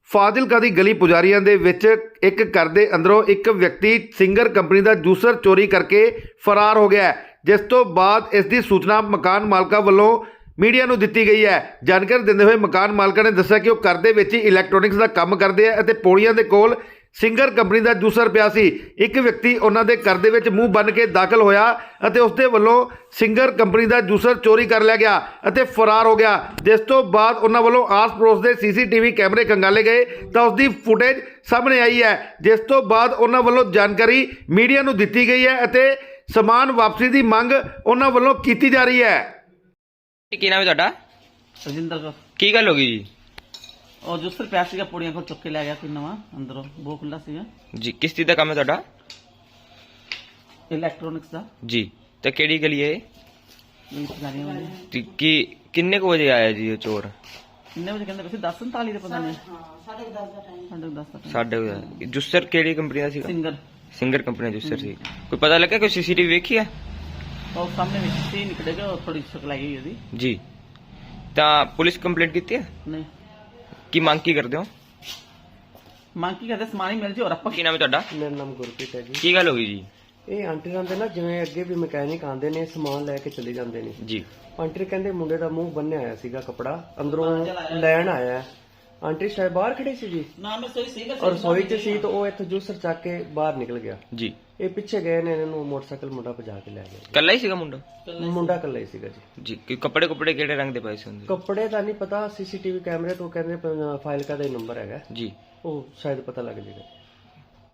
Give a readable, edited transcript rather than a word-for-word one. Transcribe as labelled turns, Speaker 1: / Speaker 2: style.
Speaker 1: ਫਾਜ਼ਿਲਕਾ ਦੀ ਗਲੀ ਪੁਜਾਰੀਆਂ ਦੇ ਵਿੱਚ ਇੱਕ ਘਰ ਦੇ ਅੰਦਰੋਂ ਇੱਕ ਵਿਅਕਤੀ ਸਿੰਗਰ ਕੰਪਨੀ ਦਾ ਜੂਸਰ ਚੋਰੀ ਕਰਕੇ ਫਰਾਰ ਹੋ ਗਿਆ ਹੈ, ਜਿਸ ਤੋਂ ਬਾਅਦ ਇਸ ਦੀ ਸੂਚਨਾ ਮਕਾਨ ਮਾਲਕਾਂ ਵੱਲੋਂ ਮੀਡੀਆ ਨੂੰ ਦਿੱਤੀ ਗਈ ਹੈ। ਜਾਣਕਾਰੀ ਦਿੰਦੇ ਹੋਏ ਮਕਾਨ ਮਾਲਕਾਂ ਨੇ ਦੱਸਿਆ ਕਿ ਉਹ ਘਰ ਦੇ ਵਿੱਚ ਹੀ ਇਲੈਕਟ੍ਰੋਨਿਕਸ ਦਾ ਕੰਮ ਕਰਦੇ ਆ ਅਤੇ ਪੌੜੀਆਂ ਦੇ ਕੋਲ ਸਿੰਗਰ ਕੰਪਨੀ ਦਾ ਜੂਸਰ ਪਿਆ ਸੀ। ਇੱਕ ਵਿਅਕਤੀ ਉਹਨਾਂ ਦੇ ਘਰ ਦੇ ਵਿੱਚ ਮੂੰਹ ਬੰਨ੍ਹ ਕੇ ਦਾਖਲ ਹੋਇਆ ਅਤੇ ਉਸ ਦੇ ਵੱਲੋਂ ਸਿੰਗਰ ਕੰਪਨੀ ਦਾ ਜੂਸਰ ਚੋਰੀ ਕਰ ਲਿਆ ਗਿਆ ਅਤੇ ਫਰਾਰ ਹੋ ਗਿਆ, ਜਿਸ ਤੋਂ ਬਾਅਦ ਉਹਨਾਂ ਵੱਲੋਂ ਆਸ-ਪੜੋਸ ਦੇ ਸੀਸੀਟੀਵੀ ਕੈਮਰੇ ਖੰਗਾਲੇ ਗਏ ਤਾਂ ਉਸ ਦੀ ਫੁਟੇਜ ਸਾਹਮਣੇ ਆਈ ਹੈ, ਜਿਸ ਤੋਂ ਬਾਅਦ ਉਹਨਾਂ ਵੱਲੋਂ ਜਾਣਕਾਰੀ ਮੀਡੀਆ ਨੂੰ ਦਿੱਤੀ ਗਈ ਹੈ ਅਤੇ ਸਮਾਨ ਵਾਪਸੀ ਦੀ ਮੰਗ ਉਹਨਾਂ ਵੱਲੋਂ ਕੀਤੀ ਜਾ ਰਹੀ ਹੈ।
Speaker 2: ਕੀ ਨਾਮ ਹੈ ਤੁਹਾਡਾ?
Speaker 3: ਰਜਿੰਦਰ ਕੌਰ।
Speaker 2: ਕੀ ਗੱਲ ਹੋ ਗਈ ਜੀ?
Speaker 3: ਉਹ ਜੂਸਰ ਪਿਆ ਸੀਗਾ, ਪੌੜੀਆਂ ਕੋਲ ਚੁੱਕ ਕੇ ਲੈ ਗਿਆ ਕੋਈ ਨਵਾਂ, ਅੰਦਰੋਂ ਬੋ ਖੁੱਲਾ ਸੀਗਾ
Speaker 2: ਜੀ। ਕਿਸ ਚੀਜ਼ ਦਾ ਕੰਮ ਹੈ ਤੁਹਾਡਾ?
Speaker 3: ਇਲੈਕਟ੍ਰੋਨਿਕਸ ਦਾ।
Speaker 2: ਜੀ। ਤੇ ਕਿਹੜੀ ਗਲੀ ਹੈ ਇਹ?
Speaker 3: ਇਹ ਪੁਜਾਰੀਆਂ ਵਾਲੀ।
Speaker 2: ਤੇ ਕੀ ਕਿੰਨੇ ਕੁ ਵਜੇ ਆਇਆ ਜੀ ਇਹ ਚੋਰ?
Speaker 3: ਕਿੰਨੇ ਵਜੇ ਕਹਿੰਦੇ ਵੈਸੇ 10:39 ਦੇ ਪਤਾ ਨਹੀਂ। 10:30 ਦਾ ਟਾਈਮ।
Speaker 2: ਸਾਡੇ ਜੁਸਰ ਕਿਹੜੀ ਕੰਪਨੀ ਦਾ ਸੀਗਾ?
Speaker 3: ਸਿੰਗਰ।
Speaker 2: ਸਿੰਗਰ ਕੰਪਨੀ ਦਾ ਜੁਸਰ ਸੀ। ਕੋਈ ਪਤਾ ਲੱਗਾ ਕੋਈ ਸੀਸੀਟੀਵੀ ਵੇਖੀ ਹੈ?
Speaker 3: ਉਹ ਸਾਹਮਣੇ ਵਿੱਚ ਸੀ ਨਿਕਲੇਗਾ, ਉਹ ਥੋੜੀ ਸ਼ੱਕ ਲੱਗੀ ਉਹਦੀ।
Speaker 2: ਜੀ। ਤਾਂ ਪੁਲਿਸ ਕੰਪਲੇਂਟ ਕੀਤੀ ਹੈ?
Speaker 3: ਨਹੀਂ।
Speaker 2: ਕੀ ਮੰਗ ਕੀ ਕਰਦੇ ਹੋ?
Speaker 3: ਮੰਗ ਕੀ ਕਰਦੇ? ਸਮਾਨ ਹੀ ਮਿਲ ਜੇ ਹੋਰ ਆਪਾਂ
Speaker 2: ਕੀ ਨਾਮ ਹੈ ਤੁਹਾਡਾ?
Speaker 4: ਮੇਰਾ ਨਾਮ ਗੁਰਪ੍ਰੀਤ ਹੈ ਜੀ।
Speaker 2: ਕੀ ਗੱਲ ਹੋ ਗਈ ਜੀ?
Speaker 4: ਇਹ ਆਂਟੀ ਰਹਿੰਦੇ ਨਾ, ਜਿਵੇਂ ਅੱਗੇ ਵੀ ਮਕੈਨਿਕ ਆਉਂਦੇ ਨੇ, ਸਮਾਨ ਲੈ ਕੇ ਚਲੇ ਜਾਂਦੇ ਨੇ।
Speaker 2: ਜੀ।
Speaker 4: ਆਂਟੀ ਕਹਿੰਦੇ ਮੁੰਡੇ ਦਾ ਮੂੰਹ ਬੰਨਿਆ ਆਇਆ ਸੀਗਾ ਕੱਪੜਾ, ਅੰਦਰੋਂ ਲੈਣ ਆਇਆ ਹੈ। ਆਂਟੀ ਸ਼ਾਇਦ ਬਾਹਰ ਖੜੀ ਸੀ ਜੀ,
Speaker 3: ਨਾ ਮੈਂ ਸੋਈ ਸੀਗਾ
Speaker 4: ਔਰ ਰਸੋਈ 'ਚ ਸੀ ਤਾਂ ਉਹ ਇੱਥੇ ਜੂਸਰ ਚੱਕ ਕੇ ਬਾਹਰ ਨਿਕਲ ਗਿਆ।
Speaker 2: ਜੀ।
Speaker 4: ਇਹ ਪਿੱਛੇ ਗਏ ਨੇ, ਇਹਨੂੰ ਮੋਟਰਸਾਈਕਲ ਮੁੰਡਾ ਭਜਾ ਕੇ ਲੈ ਗਿਆ।
Speaker 2: ਕੱਲਾ ਹੀ ਸੀਗਾ ਮੁੰਡਾ?
Speaker 4: ਮੁੰਡਾ ਇਕੱਲਾ ਹੀ ਸੀਗਾ ਜੀ।
Speaker 2: ਜੀ। ਕੋਈ ਕੱਪੜੇ ਕੁਪੜੇ ਕਿਹੜੇ ਰੰਗ ਦੇ ਪਾਏ ਸੀ ਹੁੰਦੇ?
Speaker 4: ਕੱਪੜੇ ਦਾ ਨਹੀਂ ਪਤਾ, ਸੀਸੀਟੀਵੀ ਕੈਮਰੇ ਤੋਂ ਕਹਿੰਦੇ ਫਾਈਲ ਦਾ ਹੀ ਨੰਬਰ ਹੈਗਾ,
Speaker 2: ਜੀ।
Speaker 4: ਉਹ ਸ਼ਾਇਦ ਪਤਾ ਲੱਗ ਜਾਏਗਾ।